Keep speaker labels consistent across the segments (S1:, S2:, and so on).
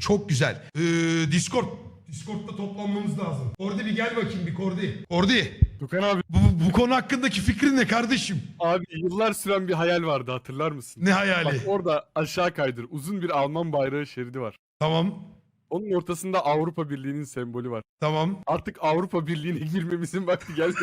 S1: Çok güzel. Discord'da toplanmamız lazım. Kordi bir gel bakayım bir Kordi. Kordi.
S2: Tukan abi.
S1: Bu konu hakkındaki fikrin ne kardeşim?
S2: Abi yıllar süren bir hayal vardı, hatırlar mısın?
S1: Ne hayali?
S2: Bak orada aşağı kaydır. Uzun bir Alman bayrağı şeridi var.
S1: Tamam.
S2: Onun ortasında Avrupa Birliği'nin sembolü var.
S1: Tamam.
S2: Artık Avrupa Birliği'ne girmemizin vakti geldi.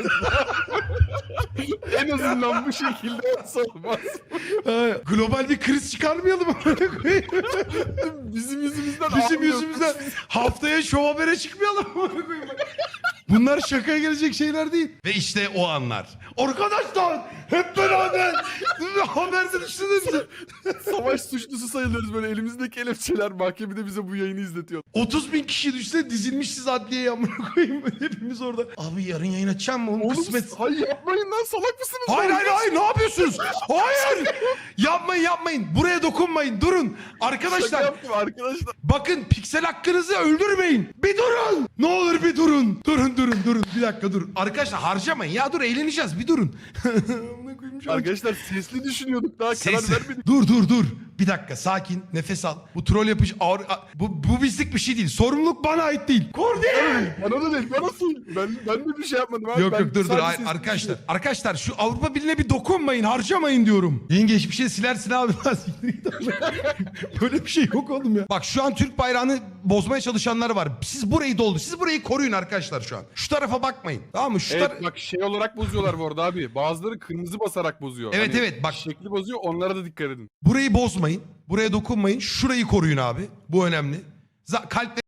S2: En azından bu şekilde olsa olmaz.
S1: Global bir kriz çıkarmayalım mı?
S2: Bizim yüzümüzden
S1: Bizim
S2: ağlıyor.
S1: yüzümüzden haftaya Show Haber'e çıkmayalım mı? Bunlar şakaya gelecek şeyler değil. Ve işte o anlar. Arkadaşlar hep beraber haberde düşünün.
S2: Savaş suçlusu sayılıyoruz, böyle elimizdeki kelepçeler, mahkemede bize bu yayını izletiyor.
S1: 30.000 kişi düşse dizilmişiz adliyeye amına koyayım. Hepimiz orada. Abi yarın yayın açacağım mı? Oğlum kısmet.
S2: Hayır yapmayın lan, salak mısınız?
S1: Hayır ne yapıyorsunuz? Hayır. Yapmayın. Buraya dokunmayın. Durun.
S2: Şaka
S1: Arkadaşlar
S2: yaptım arkadaşlar.
S1: bakın piksel hakkınızı öldürmeyin. Bir durun. Ne olur bir durun. Durun. Bir dakika dur. Arkadaşlar harcamayın. Ya dur eğleneceğiz. Bir durun. Amına koyayım şu an.
S2: Arkadaşlar sesli düşünüyorduk, daha karar vermedik.
S1: Dur. Bir dakika sakin. Nefes al. Bu troll yapıcı bu bizlik bir şey değil. Sorumluluk bana ait değil. Kordi.
S2: Bana da değil, bana değil. Ben de bir şey yapmadım abi.
S1: Yok dur.
S2: sadece
S1: Hayır,
S2: sesli
S1: arkadaşlar.
S2: düşünüyorum.
S1: Arkadaşlar şu Avrupa Birliği'ne bir dokunmayın. Harcamayın diyorum. Yeni geçmişe silersin abi. Böyle bir şey yok oğlum ya. Bak şu an Türk bayrağını bozmaya çalışanlar var. Siz burayı doldu. Siz burayı koruyun arkadaşlar şu an. Şu tarafa bakmayın. Tamam mı?
S2: Evet bak şey olarak bozuyorlar bu arada abi. Bazıları kırmızı basarak bozuyor.
S1: Evet,
S2: Hani
S1: evet, bak.
S2: şekli bozuyor, onlara da dikkat edin.
S1: Burayı bozmayın. Buraya dokunmayın. Şurayı koruyun abi. Bu önemli. Kalp